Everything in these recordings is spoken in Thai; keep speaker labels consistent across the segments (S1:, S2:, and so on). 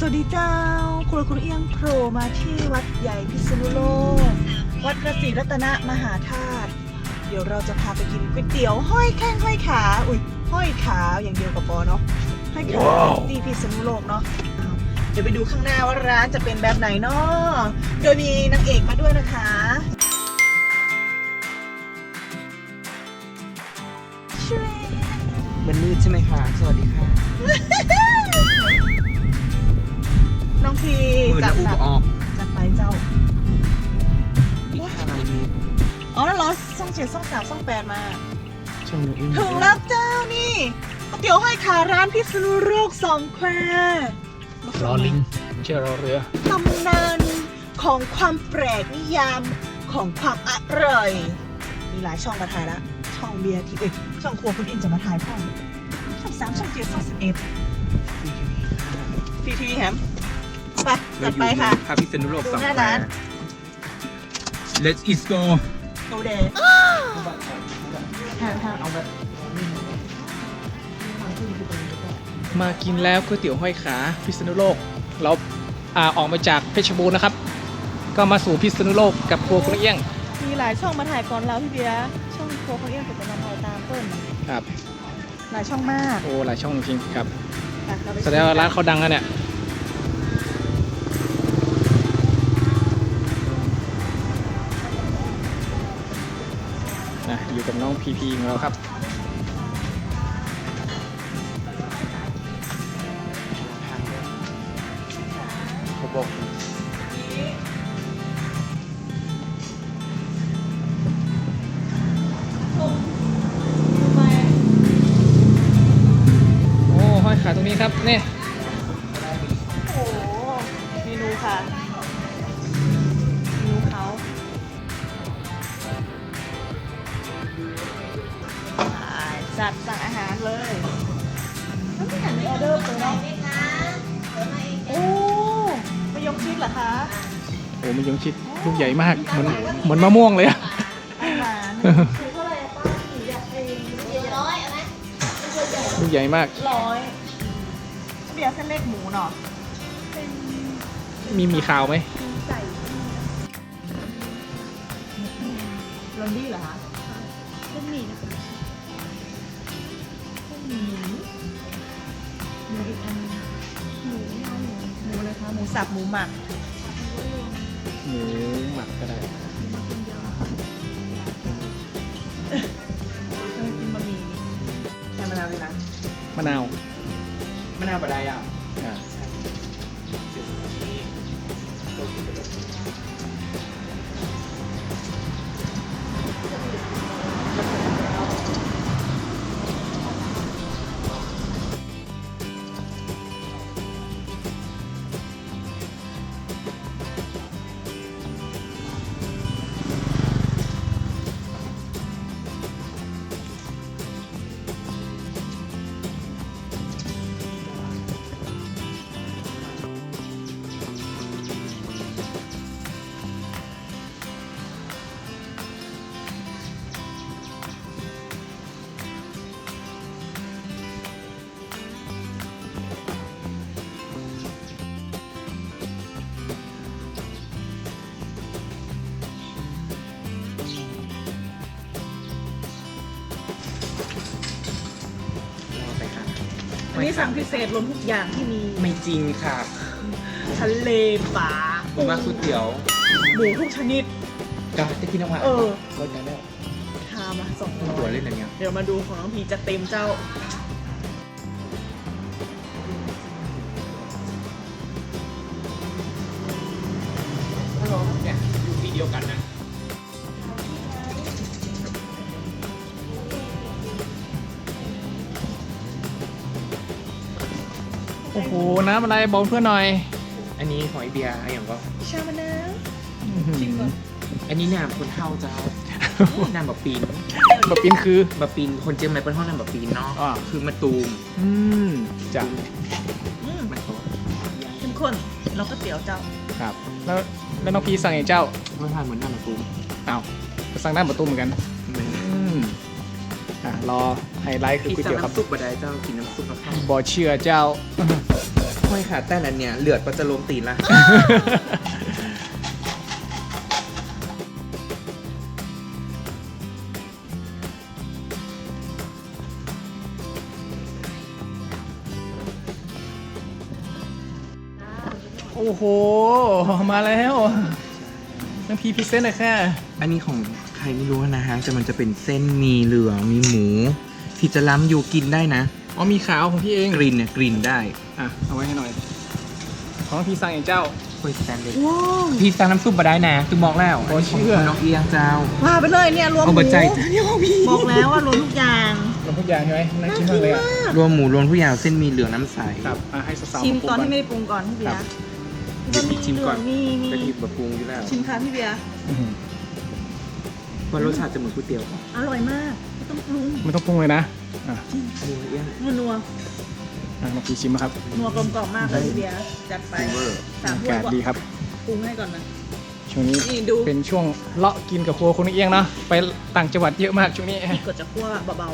S1: วัสดีเจ้าครัวคุณเอียงโผล่มาที่วัดใหญ่พิษณุโลกวัดพระศรีรัตนมหาธาตุเดี๋ยวเราจะพาไปกินก๋วยเตี๋ยวห้อยแข้งห้อยขาห้อยขาอย่างเดียวกับปอเนาะห้อยขาที่พิษณุโลกเนาะเดี๋ยวไปดูข้างหน้าว่าร้านจะเป็นแบบไหนเนาะโดยมีนางเอกมาด้วยนะคะ
S2: มันมืดใช่ไหมคะสวัสดีค่ะ
S1: น้องพี
S2: มืด
S1: จั
S2: และ
S1: บ
S2: อุบออก
S1: จัดไปเจ้า
S2: อีก5 นาที
S1: อ๋อแล้วเหรอซ่อง7ซ่อง3ซ่อง8มา
S2: ช่วงนี้
S1: ถึงแล้วเจ้านี่ก๋วยเตี๋ยวห้อยขาร้านพิษณุโลก2 แควร์
S2: รอลิงไม่ใช่รอเรือ
S1: ตำนานของความแปลกนิยามของความอร่อยมีหลายช่องมาถ่ายละช่องเบียร์ที่ช่องครัวคุณอินจะมาถ่ายช่อง3ช่อง7ช่อง11ฟรีทีวีแฮมไปจัดไปค่ะ
S2: พาพิษณุโลก
S1: ดู
S2: 2
S1: หน้า
S2: แคว
S1: ร้าน
S2: ร์ Let's eat go
S1: โอเดเอาแบบ
S3: มากินแล้วก๋วยเตี๋ยวห้อยขาพิษณุโลกเราออกมาจากเพชรบูรณ์นะครับ ก็มาสู่พิษณุโลกกับครัวคุณเอี้ยง
S1: มีหลายช่องมาถ่ายก่อนเราพี่เบียร์ช่องครัวคุณเอี้ยงเป็นจะมาถ่ายตามเพิ่ม
S3: ครับ
S1: หลายช่องมาก
S3: โอ้หลายช่องจริงๆครับ
S1: ไปเไป
S3: แสดงว่าร้านเขาดังแล้วเนี่ยอยู่กับน้องพีพีของเราครับเขาบอกโอ้ห้อยขาตรงนี้ครับนี่
S1: โอ้โหเมนูค่ะเมนูเขาจัดสั่งอาหารเลยแล้วไม่เห็นมีออเดอร์เลยเนาะโอ้มายงชิดเหรอคะ
S3: โอ้มันยงชิดลูกใหญ่มากเหมือนมะม่วงเลยอะ
S1: อาหาร
S3: ลูกใหญ่มาก
S1: 100เบียร์เส้นเล็กหมูเนาะ
S3: มีข่าวไหม
S1: ใส่ลอนดี้เหรอคะเส้นหมี่นะคะเส้นหมี่หมูอีกอันหมูอะไรคะหมูสับหมูหมัก
S3: หมูหมักก็ได้
S1: จะมากินบะหมี่ใส่มะนาวเลยนะ
S3: มะนาว
S2: มะนาวบดายอ่ะ
S3: อ่า
S2: รอไปค่ะ
S1: อันนี้สั่งพิเศษรวมทุกอย่างที่มี
S2: ไม่จริงค่ะ
S1: ทะเลป่า
S2: ผมว่าก๋วยเตี๋ยว
S1: หมูทุกชนิด
S2: จะกินออกมา
S1: เออ
S2: ก็จะแล้ว
S1: ทามา200
S2: ตัวเล่นอะไรเนี่ย
S1: เดี๋ยวมาดูของน้องพีจะเต็มเจ้า
S2: ฮัลโหลเนี่ยอยู่ที่เดียวกันนะ
S3: โอ้โห น้ำอะไรบอกเพื่อนหน่อย
S2: อันนี้หอยเบียร์อะไรอย่างก็
S1: ชามะนาว
S3: จริงเหรอ
S2: อันนี้น้ำคนเท่าเจ้า น้ำบะปีน
S3: แบบปินคือ
S2: บะปีนคนเจียงใหม่เป็นห้องน้ำบะปีนเนาะ
S3: อ่า
S2: คือมะตูม
S3: จ้ะ
S2: มันโต
S1: เข้มข้นแล้วก็เตี๋ยวเจ้า
S3: ครับ แล้วน้องพีสั่งอย่างเจ้า
S2: รสชาติเหมือนน้ำมะตูม
S3: อ้าวสั่งได้ประตูเหมือนกัน รอไฮไลท์คือ
S2: พี่
S3: ก๋วย
S2: สั่ง
S3: เตี๋ยวครับ
S2: น้ำซุปบะได้เจ้ากินน้ำซุปกับข้าว
S3: บ่เชื่อเจ้า
S1: ห
S2: ห้อยขาแต่อันเนี้ยเลือดก็จะลงตีนละ
S3: โอ้โห มาแล้วน้องพีพิเศษหน่อยค่ะ
S2: อันนี้ของใครไม่รู้นะฮะแต่มันจะเป็นเส้นมีเหลืองมีหมูที่จะล้ำอยู่กินได้นะ
S3: อ๋อมีขาวของพี่เอง
S2: กลิ่นเนี่ยกลิ่นได้
S3: อ่ะ เอาไว้ให้หน่อย ของน้องพีสั่งอย่างเจ้า
S2: คุยแซนเลย
S1: ว้าว
S2: พี่สั่งน้ำซุปมาได้นะคือบอกแล้ว
S3: โอ้เชื่อ
S2: ของน้องเอียงเจ้า
S1: ว่าไปเลยเนี่ยรวมห
S2: เอา
S1: มู
S2: บัใจจ้าเนี่ยของพี่
S1: บอกแล้วว่ารวมทุกอย่าง
S3: รวมทุกอย่างใช่ไหมน่ากินมากเลยอ่ะ
S2: รวมหมูรวมทุกอย่างเส้นมีเหลืองน้ำใส
S3: ครับอ่ะให้สาวๆ
S1: ชิม
S3: มาปรุง
S1: ตอน
S3: ก่อน
S1: ที่ไม่ได้ปรุงก่อนพี่เบีย
S2: ครั
S1: ร์
S2: บ เดี๋ยวพี่ชิมก่อน
S1: มี
S2: กะทิบะปรุงอยู่แล้ว
S1: ชิมค่ะพี่เบียร์
S3: อื้อหือ
S2: ว่ารสชาติจะเหมือนก๋วยเตี๋ยวป่ะ
S1: อร่อยมากไม่ต้องปรุง
S3: ไม่ต้องปรุงเลยนะ อ่ะ
S2: อันนี้เอียง
S1: นัว
S3: อ่ะน้องพีชิมนะครับ
S1: นัวกลมกล่อมมากเลยพี่เบียร์จัดไป
S2: ซิลเวอร์
S1: สาม
S3: อา
S1: ถ้วย
S3: กาศดีครับ
S1: ปรุงให้ก่อนนะ
S3: ช่วงนี้
S1: นี่ดู
S3: เป็นช่วงเลาะกินกับครัวคุณเอียงเนาะ ไปต่างจังหวัดเยอะมากช่วงนี้
S1: พี่กดจะคั่วเบา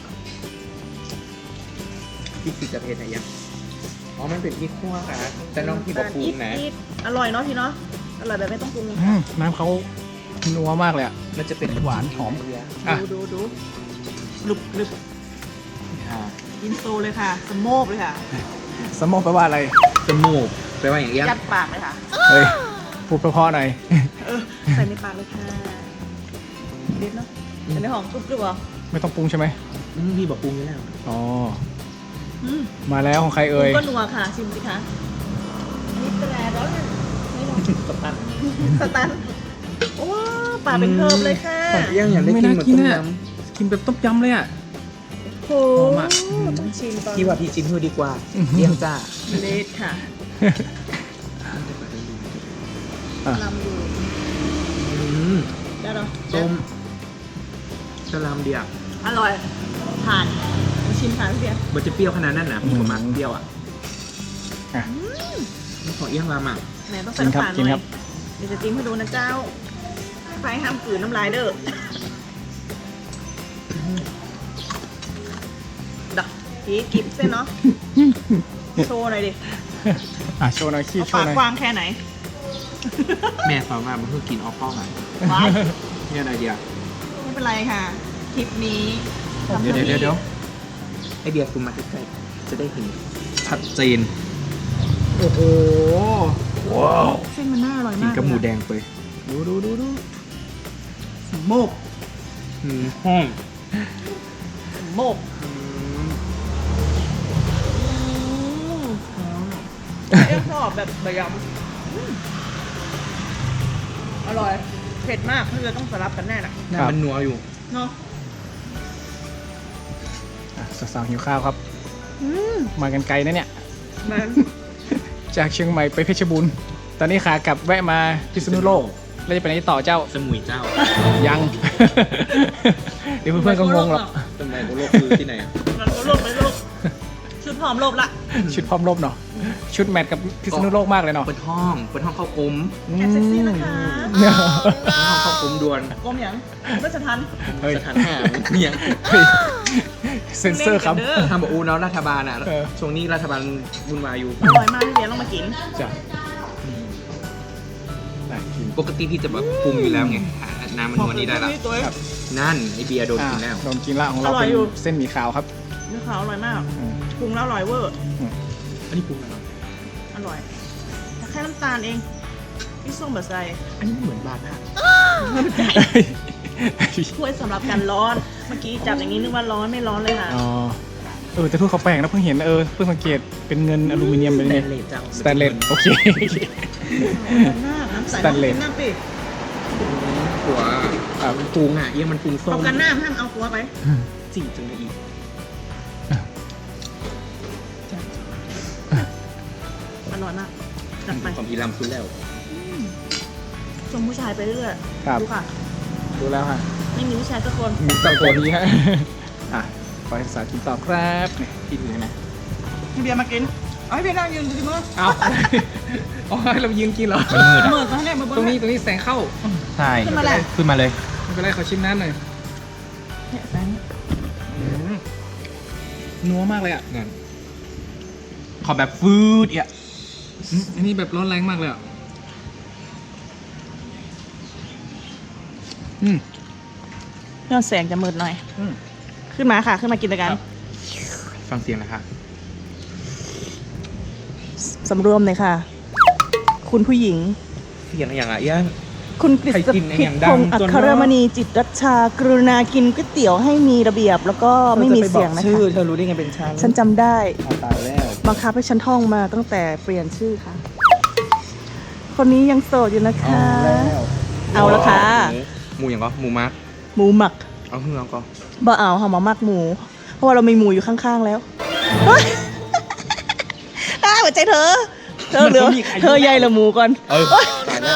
S2: พี่สิจะเผ็ดอะไรยังอ๋อมันเป็นพริกคั่วค่ะ
S1: ๆ
S2: แต่น้องพี่บอกปรุงนะ
S1: นิดๆอร่อยเนาะพี่เนาะอร่อยแบบไม่ต้องปรุง
S3: น้ำเขานัวมากเลยอ่ะ
S2: มันจะเป็น
S3: หวานหอม
S2: อ่ะ
S1: ดูกรึบกรึบ
S2: ค่ะ
S1: อินโซเลยค่ะสโมกเลยค่ะ
S3: สมองแปลว่าอะไร
S2: จมูกแปลว่าอย่างเอียง
S1: ยัดปากเลยค่ะ
S3: เฮ้ย พูดเพราะๆหน่อย
S1: ใส่ในปากเลยค่ะเด็ดเนาะอันนี้หอมกรึบๆเหรอ
S3: ไม่ต้องปรุงใช่ไหม
S2: พี่บอกปรุงอยู่แล้ว
S3: อ๋อ
S1: อืม
S3: มาแล้วของใครเอ่ย
S1: ก็นัวค่ะชิมสิคะอันนี้เป็นอะไรร้อนเลยไม่ร้อน
S2: สตัน
S1: สตันโอ้ปลาเป็นเทิมเลยค่ะ
S2: ของเอียงอยากได้กินเหมือนต้มยำ
S3: กินแบบต้มยำเลยอ่ะ
S1: โห
S3: หอมอะ
S1: ต้องชิมตอน
S2: พี่ว่าพี่จิ้มให้ดีกว่า
S3: อื้อหือ
S2: เอียงจ้า
S1: เลดค่ะ
S3: อ่ะ
S1: ลำดู ได้เหรอ
S2: ต้มสลามเดียว
S1: อร่อยผ่านมาชิมค่ะพี่เบียร์
S2: มันจะเปรี้ยวขนาดนั้นนะพี่ประมาณเปรี้ยวอ่ะ
S3: อ่ะ
S2: นี่ของเอียงรามอ่ะ
S1: แหมต้องใส่น้ำตาลห
S3: กิน
S1: น่
S3: ครั
S1: อย
S3: บ
S1: เดี๋ยวจะจิ้มให้ดูนะเจ้าไฟห้ามกลืนน้ำลายเด้อดักพีกิบเส้นเนาะโชว์หน่อยดิ
S3: อ่ะโชว์หน่อยขี้
S1: เอา
S3: โช
S1: ปา
S3: ว์
S1: ก
S3: หน่อย
S1: กว้างแค่ไหน
S2: แม่สอนมามันคือกินออกกล้องอ่ะ
S1: ว้าย
S2: เนี่ยอะไรเดียว
S1: ไม่เป็นไรค่ะ คลิปนี้ทำ
S2: เดี๋ยว
S1: ให้
S2: เดี๋ยวไอเดียคุณมาใกล้ๆจะได้เห็นชัดเจน
S3: โอ้โห ว้าว
S1: เส้นมันน่าอร่อย
S2: กิน
S1: มาก
S2: กับหมูแดงไป
S3: ดู
S1: โมก
S2: ห้อง
S1: โมกเอ็มชอบแบบใบยำอร่อย เผ็ดมากเพื่อต้องสลับกันแน่น่ะ
S2: หน้ามันนัวอยู่
S1: เนาะ
S3: อ่ะสาวๆหิวข้าวครับ
S1: อืม
S3: มากันไกลนะเนี่ย
S1: มัน
S3: จากเชียงใหม่ไปเพชรบูรณ์ ตอนนี้ขากลับแวะมาพิษณุโลก แล้วจะไปไหนต่อเจ้า
S2: สมุยเจ้า
S3: ยัง เดี๋ยวเพื่อนๆก็งงหรอก
S2: สมุยโลกคือที่ไหน
S1: มันก็โลบไปโลบชุดหอมโลบละ
S3: ชุดพร้อมรบเนาะ ชุดแมทกับพิษณุโลกมากเลยเนาะ
S2: เปิดห้องเข้ากลม
S1: แอบเซ็กซี่นะคะ
S3: เนี่ย
S2: เปิดห้องเข้ากลมด่วน
S1: กลมหยังไม่จะทัน
S3: เฮ้ย
S2: สถานห้าเนี่ย
S3: เฮ้ยเซนเซอร์ครับ
S1: เล่นกันเด้อ
S2: ทำบอกอูเนาะรัฐบาลอ่ะ
S3: เออ
S2: ช่วงนี้รัฐบาลวุ่นวายอยู่
S1: อร่อยมากพี่เบียร์ลองมากิน
S3: จ้ะได้กิน
S2: ปกติพี่จะแบบปรุงอยู่แล้วไงน้ำมันนัวนี้ได้ละ
S1: ตัว
S3: ครับ
S2: นั่นไอเบียร์โดนกินแล้ว
S3: โดนกินละของเรา
S1: อร่อย
S3: เป็น
S1: อยู่
S3: เส้นหมี่ขาวครับ
S1: เนื้อขาวอร่อยมาก
S3: อืม
S1: ปรุงแล้วอร่อยเวอร์
S2: อันนี้ปรุงแล้วเหรอ
S1: อร่อยแต่แค่น้ำตาลเองพี่ส้มแบบใส่
S2: อันนี้เหมือนบาร์น่ะ
S1: ถ้วยสำหรับการร้อน เมื่อกี้จับอย่างนี้นึกว่าร้อนไม่ร้อนเลยค่ะ
S3: อ๋อแต่ถ้วยเขาแปลกนะเพิ่งเห็นเพิ่งสังเกตเป็นเงินอลูมิเนียมเป็น
S2: สแต
S3: เนี่ย
S2: นเลสเจ้า
S3: สแตนเลสโอเค
S1: มากน้ำใส
S3: สแตนเลส
S1: น้ำปิด
S2: หัว
S3: ครับ
S2: ปรุงอ่ะเอียงมันปรุงส้
S1: เอา
S2: ม
S1: กันน้ำห้ามเอาหัวไป
S2: จีจังเลยอีก
S1: อร่อยมากจัดไป
S2: ของอีลำซุนแล้ว
S1: ชมผู้ชายไปเรื่อย
S3: ครับ
S1: ดูค่ะ
S3: ดูแล้วฮะ
S1: ไม่มีผู้ชายสักคน
S3: มีตัวนี้ฮะ อ่ะขอให้สาวกินต่อครับนี่ที่ดูนะ
S1: พี่เบียร์มากินเอาให้พี่นั่งยืนดูสิมือ
S3: เอา อ๋อให้เรายืนกินเหรอ
S1: มือมาให้แน่มือ
S3: ตรงนี้แสงเข้า
S2: ใช่
S1: ขึ้นมาแหละ
S2: ขึ้นมาเลย
S3: ไม่เป็นไรขอชิมน้ำหน่อย
S1: เนี่ยแฟน
S3: นัวมากเลยอ่ะ
S2: นั่นขอแบบฟืดอ่ะ
S3: อันนี้แบบร้อนแรงมากเลยอ่ะอืม
S1: ยอดแสงจะมืดหน่อย
S3: อืม
S1: ขึ้นมาค่ะ ขึ้นมากินด้วยกัน
S3: ครับ
S2: ฟังเสียงนะคะ
S1: สำรวมเลยค่ะ คุณผู้หญิง
S2: เสียงอย่างไรย่าง
S1: คุณกฤษ
S2: ใครกิน
S1: พิ
S2: อย่าง
S1: พ
S2: ดัง
S1: งศ์อั
S2: จน
S1: ครมณีจิตรัชชากรุณากินก๋วยเตี๋ยวให้มีระเบียบ แล้วก็ไม่มีเสียงนะ
S2: ชื่อ
S1: คะ
S2: เธอรู้ได้ไงเป็นฉัน
S1: ฉันจำได้
S2: เอาตายแล้ว
S1: บังคับให้ฉันท่องมาตั้งแต่เปลี่ยนชื่อค่ะ คนนี้ยังโสดอยู่นะคะ เอาละค่ะ
S2: หมูอย่างก็หมูมัก
S1: หมูหมัก
S2: เอาเฮือก็
S1: บ่เอาหอมมักหมู เพราะว่าเรามีหมูอยู่ข้างๆแล้วเฮ้ยหัวใจเธอเหลือเธอใหญ่ละหมูก่อน
S2: เออตายแล้ว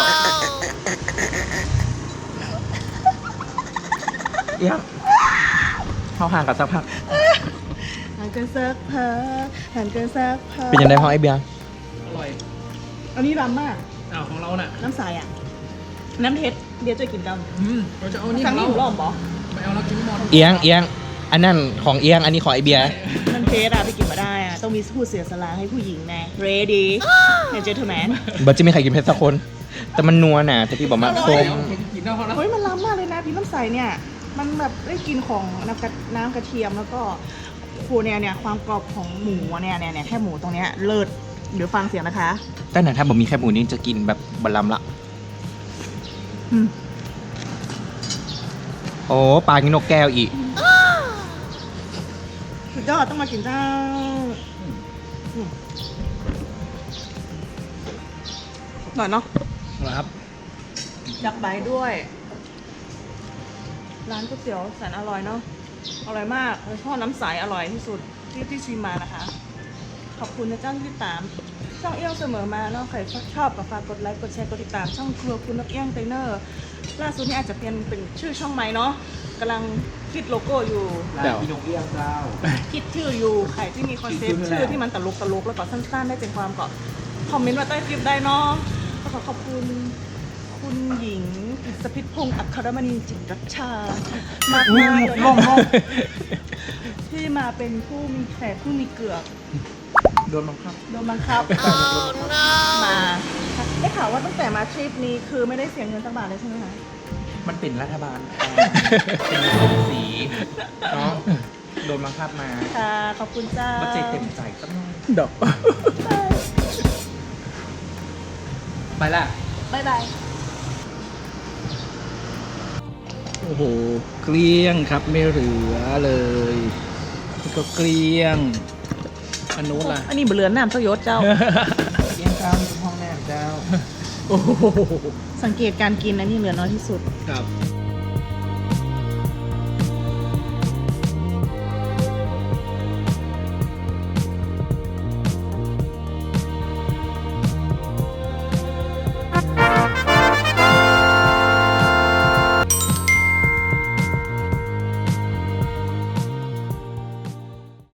S2: เอี้ยงเข้าห่างกับสักพัก
S1: ห่างกันสักพักห่างกันสักพัก
S2: เป็นยังไงห้องไอเบียร์
S3: อร่อย
S1: อันนี้รำมาก
S3: อ้าวของเราน่ะ
S1: น้ำใสอ่ะ น้ำเท็ดเดี๋ยวจะกินกัน
S3: เราจะเอานี่ข
S1: สั่
S3: อง ง
S1: นี่
S3: เรา
S1: หมูหล่อมบอ
S3: ไม่เอาเรากินหมด
S2: เอียงอันนั้นของเอียงอันนี้ของไอเบียร์
S1: น้ำเท็ดอะไปกินมาได้อะต้องมีผู้เสียสละให้ผู้หญิงแน่ ready เห็นเจอเธอแมน
S2: บัจะไม่ใครกินเพชรสักคน แต่มันนัวน่ะแต่พี่บอกมาส้ม
S3: กินได้พอแล้ว
S1: เฮ้ยมันล้ำมากเลยนะพี่น้ำใสเนี่ย มันแบบได้กินของน้ำกระเทียมแล้วก็โคเนี่ยความกรอบของหมูเนี่ยแค่หมูตรงเนี้ยเลิศเดี๋ยวฟังเสียงนะคะ
S2: แต่ไหนถ้าผมมีแคบหมูนี่จะกินแบบบะลำละ
S1: อืม
S2: โอ้ปลากินนกแก้วอีก
S1: สุดยอดต้องมากินเจ้าหน่อยเนาะ
S3: ครับ
S1: ดักใบด้วย ร้านก๋วยเตี๋ยวแสนอร่อยเนาะอร่อยมากโดยเฉพาะน้ำใสอร่อยที่สุดที่ชิมมานะคะ ขอบคุณนะเจ้าที่ติดตาม ช่องเอี้ยวเสมอมาเนาะใครชอบก็ฝากกดไลค์กดแชร์กดติดตามช่องครัวคุณนกเอี้ยงไตเนอร์ล่าสุดนี้อาจจะเป็นชื่อช่องใหม่เนาะกำลังคิดโลโก้อยู่
S3: เดี๋ยว
S2: พี่นกเอี้ยงเจ้า
S1: คิดชื่ออยู่ใครที่มีคอนเซ็ปต์
S2: คิดชื่อ
S1: ชื่อที่มันตลกแล้วก็สั้นๆได้ใจความก็คอมเมนต์มาใต้คลิปได้เนาะก็ขอขอบคุณคุณหญิงกฤษพิษพงศ์อัครมณีจิตรัชชามากๆเลย
S2: ล่ม
S1: ที่มาเป็นผู้มีแขกผู้มีเกือก
S2: โดนบังคับ
S1: โดนบังคับมาได้ข่าวว่าตั้งแต่มาทริปนี้คือไม่ได้เสียเงินสักบาทเลยใช่ไหมคะ
S2: มันเป็นรัฐบาลเป็นสีเนาะโดนบังคับมา
S1: ค่ะขอบคุณจ้า
S2: ว่าใจเต็มใจสักหน่อย
S3: ดอกไปละ
S1: บ๊ายบาย
S3: โอ้โห เกลี้ยงครับไม่เหลือเลยนี่ก็เกลี้ยง อันนู้นล่ะ
S1: อันนี้เบลือนน้ำเจ้ายศเจ้า
S2: เอี้ยงเจ้านี่เป็นห้องแนบเจ้า
S3: โอ้โห
S1: สังเกตการกินนะนี่เหลือน้อยที่สุด
S3: ครับ